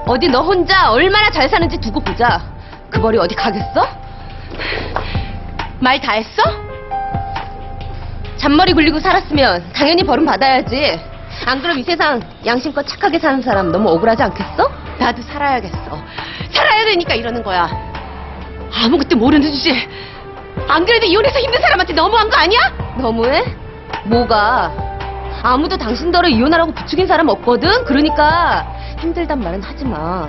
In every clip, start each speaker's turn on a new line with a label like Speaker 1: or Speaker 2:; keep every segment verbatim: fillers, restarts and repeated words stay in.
Speaker 1: 어디 너 혼자 얼마나 잘 사는지 두고 보자. 그 벌이 어디 가겠어? 말 다 했어? 잔머리 굴리고 살았으면 당연히 벌은 받아야지. 안 그럼 이 세상 양심껏 착하게 사는 사람 너무 억울하지 않겠어? 나도 살아야겠어. 살아야 되니까 이러는 거야. 아무것도 모르는 주제. 안 그래도 이혼해서 힘든 사람한테 너무한 거 아니야? 너무해? 뭐가? 아무도 당신더러 이혼하라고 부추긴 사람 없거든? 그러니까 힘들단 말은 하지 마.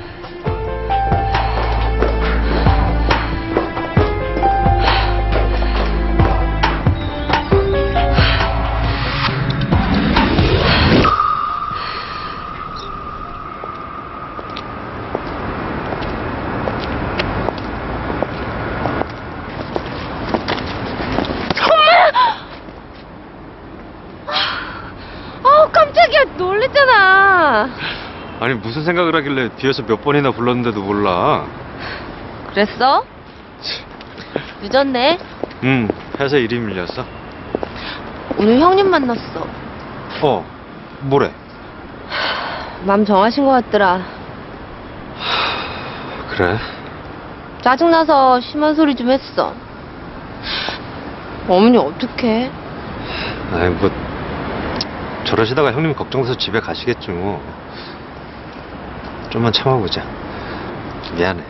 Speaker 1: 어, 깜짝이야. 놀랬잖아.
Speaker 2: 아니 무슨 생각을 하길래 뒤에서 몇 번이나 불렀는데도 몰라.
Speaker 1: 그랬어? 늦었네.
Speaker 2: 응, 회사 일이 밀렸어.
Speaker 1: 오늘 형님 만났어.
Speaker 2: 어, 뭐래?
Speaker 1: 맘 정하신 것 같더라.
Speaker 2: 그래?
Speaker 1: 짜증나서 심한 소리 좀 했어. 어머니 어떡해?
Speaker 2: 아이 뭐 저러시다가 형님 걱정돼서 집에 가시겠지 뭐. 좀만 참아보자. 미안해.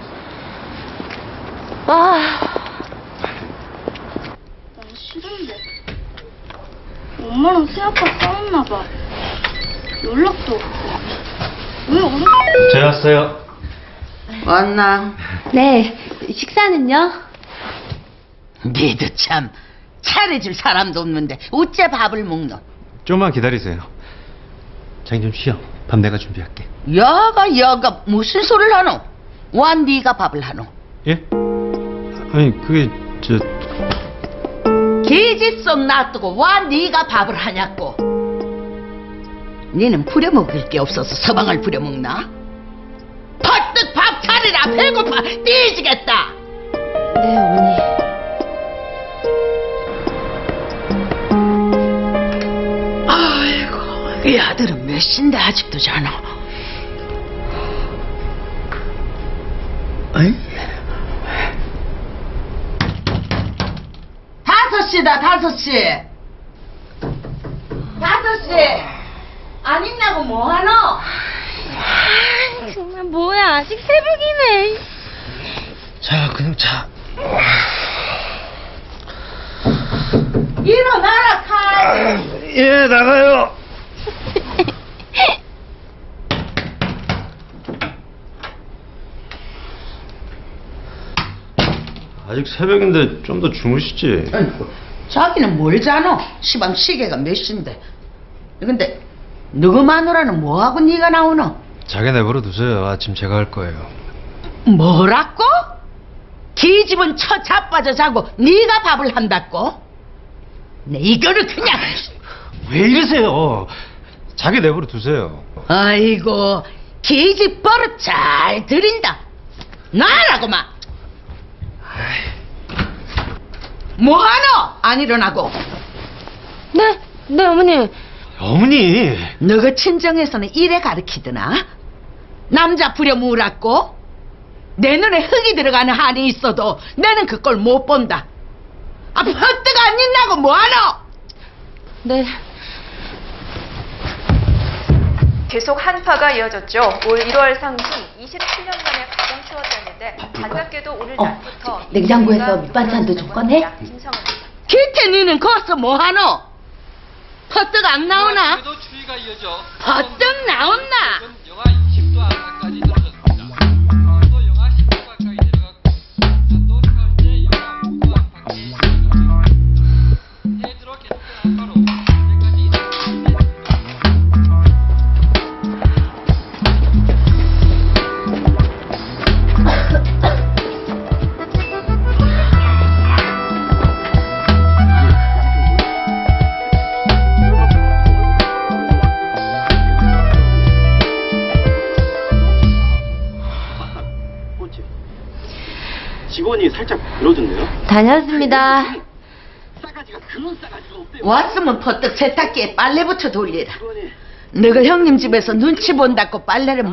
Speaker 1: 아,
Speaker 3: 난 싫은데. 엄마랑 새아빠 싸웠나 봐. 연락도 없고. 왜 오늘?
Speaker 2: 잘 왔어요.
Speaker 4: 왔나?
Speaker 1: 네. 식사는요?
Speaker 4: 니도 참 차려줄 사람도 없는데 어째 밥을 먹노?
Speaker 2: 좀만 기다리세요. 자기 좀 쉬어. 밥 내가 준비할게.
Speaker 4: 여가 여가 무슨 소리를 하노? 와 니가 밥을 하노?
Speaker 2: 예? 아니 그게 저
Speaker 4: 계집속 놔두고 와 니가 밥을 하냐고? 니는 부려먹을 게 없어서 서방을 부려먹나? 퍼뜩 밥 차리라. 배고파 뒤지겠다.
Speaker 1: 네, 어머니.
Speaker 4: 아이고, 이 아들은 몇 시인데 아직도 자나? 어이? 다섯 시다, 다섯 시. 다섯 시. 안 있냐고 뭐하노?
Speaker 1: 정말 뭐야. 아직 새벽이네.
Speaker 2: 자 그냥 자.
Speaker 4: 일어나라, 칼.
Speaker 2: 예 나가요. 아직 새벽인데 좀 더 주무시지.
Speaker 4: 아이고, 자기는 뭘 자노? 시방 시계가 몇 시인데. 근데 누구 마누라는 뭐하고 네가 나오노?
Speaker 2: 자기 내버려 두세요. 아침 제가 할 거예요.
Speaker 4: 뭐라고? 기집은 처 자빠져 자고 네가 밥을 한다고? 네 이거를 그냥.
Speaker 2: 왜 이러세요? 자기 내버려 두세요.
Speaker 4: 아이고, 기집 버릇 잘 들인다. 나라고 마. 뭐하노? 안 일어나고.
Speaker 1: 네, 네, 어머니.
Speaker 2: 어머니.
Speaker 4: 너가 친정에서는 이래 가르치드나? 남자 부려물었고 내 눈에 흙이 들어가는 한이 있어도 내는 그걸 못 본다. 아, 퍼뜩 안 있나고 뭐하노?
Speaker 1: 네.
Speaker 5: 계속 한파가 이어졌죠. 올 일월 상승 이십칠 년 만에 가장 추웠다는데 반갑게도 오늘
Speaker 1: 어,
Speaker 5: 낮부터
Speaker 1: 냉장고에서 밑반찬도 좀 꺼내?
Speaker 4: 기태 니는 거기서 뭐하노? 퍼뜩 안 나오나?
Speaker 6: 그래도 추위가 이어져
Speaker 4: 퍼뜩 나온나?
Speaker 6: 지금 영하 이십 도 안팎까지 떨어졌습니다. 또 영하 십 도 가까이 내려갔고 또 현재 영하 오 도 안팎이 내려갔습니다. 해 들어 계속된 한파로 현재까지
Speaker 7: 직원이 살짝 늘어졌네요.
Speaker 1: 다녔습니다.
Speaker 7: 싸가지가 그런 싸가지가 없대요.
Speaker 4: 왔으면 퍼뜩 세탁기에 빨래부터 돌리라.
Speaker 7: 직원이
Speaker 4: 너가 형님 집에서 눈치 본다고 빨래를